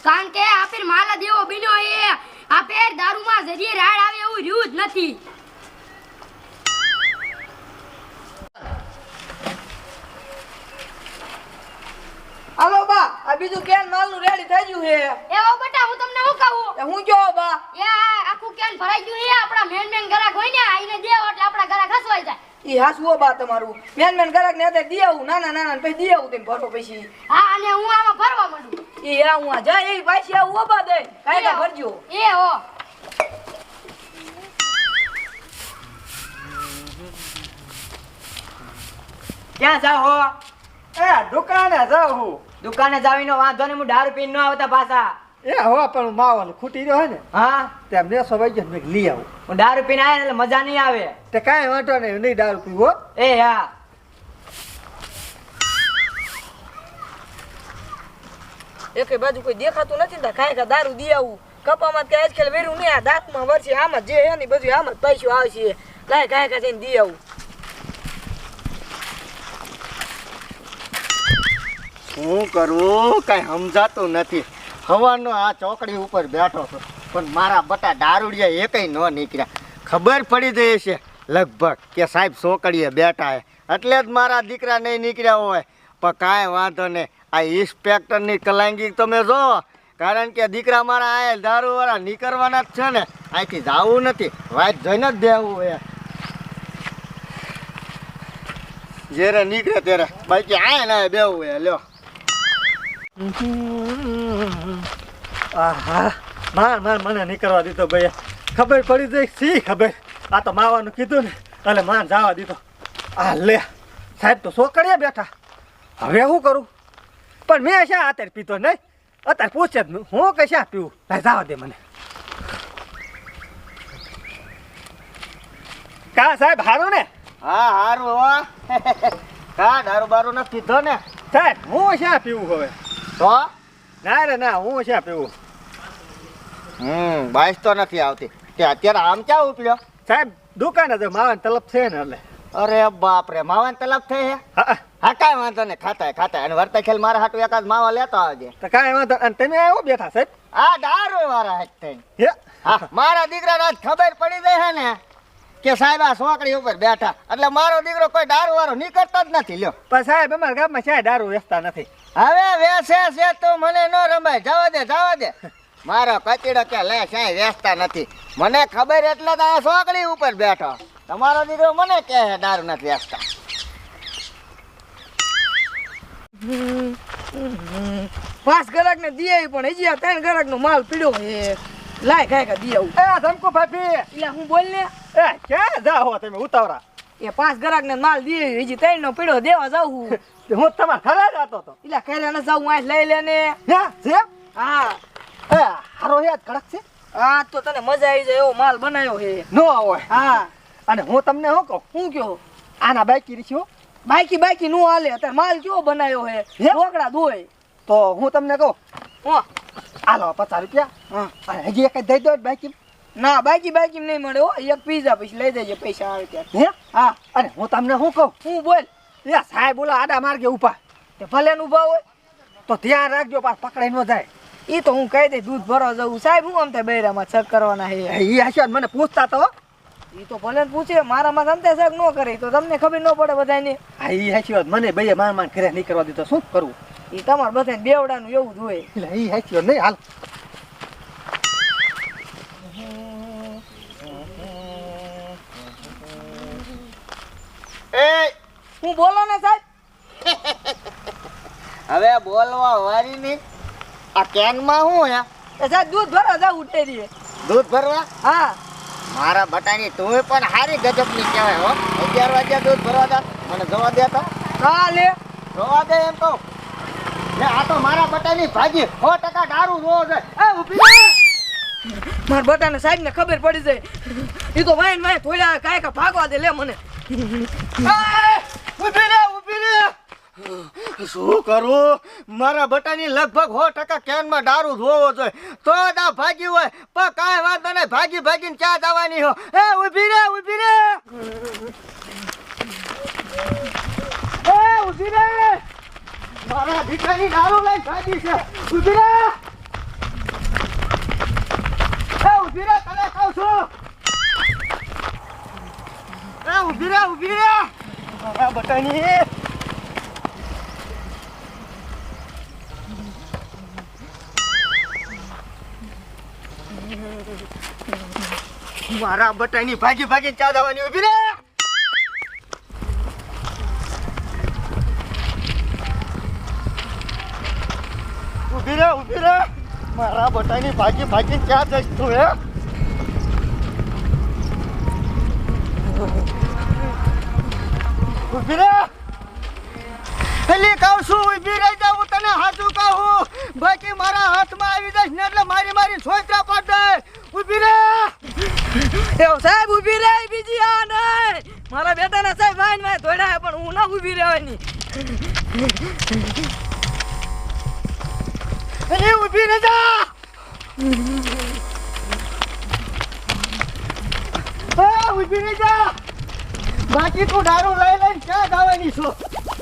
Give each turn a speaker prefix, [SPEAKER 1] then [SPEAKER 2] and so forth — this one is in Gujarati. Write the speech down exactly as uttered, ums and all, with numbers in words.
[SPEAKER 1] કારણ કે આપેર માલા દેવો બન્યો એ આપેર દારૂમાં જરીએ રાડ આવે એવું રહ્યું જ નથી.
[SPEAKER 2] હાલો બા, આ બીજું કેન માલનું રેડી થઈ ગયું હે.
[SPEAKER 1] એ ઓ બેટા હું તમને શું કહું?
[SPEAKER 2] એ હું કયો બા?
[SPEAKER 1] એ આ આખું કેન ભરાઈ ગયું છે. આપણા મેન મેન ગરાક હોય ને આઈને દેવો એટલે આપણા ગરાક હસવાઈ જાય.
[SPEAKER 2] ઈ હાસવો બા તમારું. મેન મેન ગરાક ને અત્યારે દી આવું નાના નાના પછી દી આવું તેમ ભરતો પછી.
[SPEAKER 1] હા અને હું આમાં ભરવા માંડું.
[SPEAKER 2] ઈ આ હું આ જાય એ પાછી આવું ઓબા દે. કાયદા ભરજો.
[SPEAKER 1] એ હો.
[SPEAKER 3] ક્યાં જાઓ?
[SPEAKER 4] એ દુકાને જાઉં હું.
[SPEAKER 3] દુકાને જાવીનો વાંધો ને હું દારૂ પીને ન આવતા પાછા.
[SPEAKER 4] એ હો પણ માવલ ખૂટી રહ્યો હે ને
[SPEAKER 3] હા
[SPEAKER 4] તેમ ને સવાઈ ગયો મેં લઈ આવું.
[SPEAKER 3] હું દારૂ પીને આવ્યા એટલે મજા નહીં આવે.
[SPEAKER 4] તે કાંઈ વાંધો નહીં, નહીં દારૂ પીવો.
[SPEAKER 3] એ હા
[SPEAKER 2] એકે બાજુ કોઈ દેખાતું નથી ને કાંઈ કા દારૂ દી આવું. કપામાં કે આજકાલ વેરું નહીં, આ દાંતમાં વરસી આમાં જે હે ને બધું આમાં જ પૈસો આવશે. લાય કાંઈ કા જઈને દી આવું.
[SPEAKER 4] શું કરું કાંઈ સમજાતું નથી. હવાનો આ ચોકડી ઉપર બેઠો છું પણ મારા બટા દારૂડિયા એકેય ન નીકળ્યા. ખબર પડી જાય છે લગભગ કે સાહેબ ચોકડીએ બેઠા હે એટલે જ મારા દીકરા નહીં નીકળ્યા હોય. પણ કાંઈ વાંધો નહીં, આ ઇન્સ્પેક્ટરની કલાંગી તમે જો, કારણ કે દીકરા મારા આયા દારૂવાળા નીકળવાના જ છે ને, અહીંથી જવું નથી, વાત જોઈને જ દેવું હોય. જ્યારે નીકળે ત્યારે બાકી આયા ના બેવું હોય. લ્યો આહા માર માર મને નહીં કરવા દીધો ભાઈ. ખબર પડી જાય સી ખબર. આ તો માવાનું કીધું ને એટલે માર જવા દીધો. આ લે સાહેબ તો સોકડીએ બેઠા, હવે શું કરું? પણ મેં શા અત્યારે પીતો નહીં, અત્યારે પૂછે જ હું કે શા પીવું. લાય જવા દે મને. કા સાહેબ હારું ને? હા હારું હો. કા દારૂ બારું નથી પીધો ને સાહેબ? હું શા પીવું હવે તો? ના રે ના, હું શા પીવું. હમ બાઈસ તો નથી આવતી. તે અત્યારે આમ ક્યાં ઉપલ્યો સાહેબ? દુકાને જો માવાન તલબ છે ને એટલે. અરે બાપ રે, માવાન તલબ થઈ હે? હા હા કાંઈ વાંધો નહીં, ખાતા ખાતા અને વર્તા ખેલ મારા હાટુ એકાદ માવા લેતો આવજે. તો કાંઈ વાંધો. અને તમે આવો બેઠા સાહેબ? આ દારૂ વાળા હાથ થઈ. હા મારા દીકરાને આજ ખબર પડી જાય હે ને કે સાહેબ આ સોકડી ઉપર બેઠા એટલે મારો દીકરો કોઈ દારૂ વાળો નીકળતો જ નથી. લ્યો પણ સાહેબ અમારા ગામમાં ક્યાંય દારૂ વેચતા નથી. હવે વેચે છે તો મને ન રમાય. જવા દે જવા દે. મારો કચીડો કે લે ક્યાંય વેચતા નથી. મને ખબર એટલે તો આ સોકડી ઉપર બેઠો. તમારો દીકરો મને કહે દારૂ નથી વેચતા.
[SPEAKER 2] પાંચ ગરાક ને દી આવી પણ હજી આ ત્રણ ગરાક નો માલ પીડ્યો હે. લાય કાંઈ કા દી આવું.
[SPEAKER 4] એ ધમકો ભાભી
[SPEAKER 2] એટલે હું બોલ ને.
[SPEAKER 4] એ ક્યાં જાઓ તમે ઉતાવળા?
[SPEAKER 2] એ પાંચ ગરાક ને માલ દી આવી, હજી ત્રણ નો પીડ્યો દેવા જાઉં હું.
[SPEAKER 4] હું તમારા ઘરે જતો હતો.
[SPEAKER 2] એટલે ખેલે ન જાઉં, આ લઈ લે ને.
[SPEAKER 4] હા છે?
[SPEAKER 2] હા
[SPEAKER 4] એ હારો યાદ કડક છે.
[SPEAKER 2] હા તો તને મજા આવી જાય એવો માલ બનાવ્યો હે.
[SPEAKER 4] નો હોય.
[SPEAKER 2] હા
[SPEAKER 4] અને હું તમને શું કહું,
[SPEAKER 2] હું કયો
[SPEAKER 4] આના બાકી રીછો
[SPEAKER 2] બાકી બાકી નું હાલે. અત્યારે માલ કેવો બનાવ્યો હે, ઢોકળા દોય.
[SPEAKER 4] તો હું તમને કહું
[SPEAKER 2] હો
[SPEAKER 4] હાલો પચાસ રૂપિયા.
[SPEAKER 2] હા
[SPEAKER 4] અને હજી એક જ દઈ દો બાકી.
[SPEAKER 2] ના બાકી બાકી નહીં મળે હો. એક પીઝા પછી લઈ દેજે પૈસા આવે ત્યારે.
[SPEAKER 4] હે
[SPEAKER 2] હા
[SPEAKER 4] અને હું તમને શું કહું,
[SPEAKER 2] હું બોલ.
[SPEAKER 4] એ સાહેબ બોલો આડા માર્ગે ઉભા
[SPEAKER 2] તે ભલે નું ભાવ હોય
[SPEAKER 4] તો ધ્યાન રાખજો, પાછ પકડાઈ ન જાય.
[SPEAKER 2] એ તો હું કહી દે દૂધ ભરવા જવું. સાહેબ હું આમ થાય બૈરામાં છક કરવાના હે.
[SPEAKER 4] એ હશે મને પૂછતા તો.
[SPEAKER 2] એ તો ભલે પૂછે, મારામાં સંતે શક ન કરે તો તમને ખબર ન પડે બધાને.
[SPEAKER 4] હા એ હશે મને ભાઈ માર માર ઘરે નહીં કરવા દીધો. શું કરવું?
[SPEAKER 2] એ તમારે બધાને બેવડાનું એવું જ હોય.
[SPEAKER 4] એટલે એ હશે નહીં. હાલ એ
[SPEAKER 2] હું બોલો ને સાહેબ.
[SPEAKER 4] હવે બોલવા વારી ની આ કેનમાં શું હે?
[SPEAKER 2] એ સાહેબ દૂધ ભરવા જાવ ઉઠે.
[SPEAKER 4] દૂધ ભરવા?
[SPEAKER 2] હા
[SPEAKER 4] મારા બટાની તું પણ હારી ગજબની કહેવાય હો. અગિયાર વાગ્યા દૂધ ભરવા જા. મને જવા દે તો.
[SPEAKER 2] હા લે
[SPEAKER 4] જવા દે એમ તો. લે આ તો મારા બટાની ભાજી સો ટકા દારૂ રોજ. એ ઊભી રહે.
[SPEAKER 2] મારા બટાને સાહેબ ને ખબર પડી જાય. એ તો વાઈન વાઈ થોડા કાંઈ કા ભાગવા દે. લે મને
[SPEAKER 4] ઊભી રે ઊભી રે. શું કરું? મારા બટાની લગભગ સો ટકા કેનમાં દારૂ ધોવો જોઈએ તો દા ભાગી હોય. પણ કાંઈ વાંધો નહીં, ભાગી ભાગીને ચા જવાની હો. એ ઊભી રે ઊભી રે. એ ઊભી રે. મારા દીકરાની દારૂ લઈ ભાગી છે. ઊભી રે. ઊભી રે તને કહું છું એ ઊભી રે ઊભી રે મારા બટાની મારા બટાની ભાગી ભાગી ચા દાવાની ઊભી રે ઊભી રે ઊભી રે મારા બટાની ભાગી ભાગી ચા દઈશ તું હે ઊભી રે પેલી કહું છું ઊભી રહી જાઉં તને હાચું કહું બાકી મારા હાથમાં આવી જઈશ ને એટલે મારી મારી છોકરા પાડ દે ઊભી રે
[SPEAKER 2] એવો સાહેબ ઊભી રહે બીજી આ નહીં મારા બેટાના સાહેબ વાઈન વાય ધોડ્યા પણ હું ના ઊભી રહેવાની
[SPEAKER 4] અરે ઊભી રહી જા હા ઊભી રહી જા બાકી તું દારૂ લઈ લઈને ક્યાં જવાની છો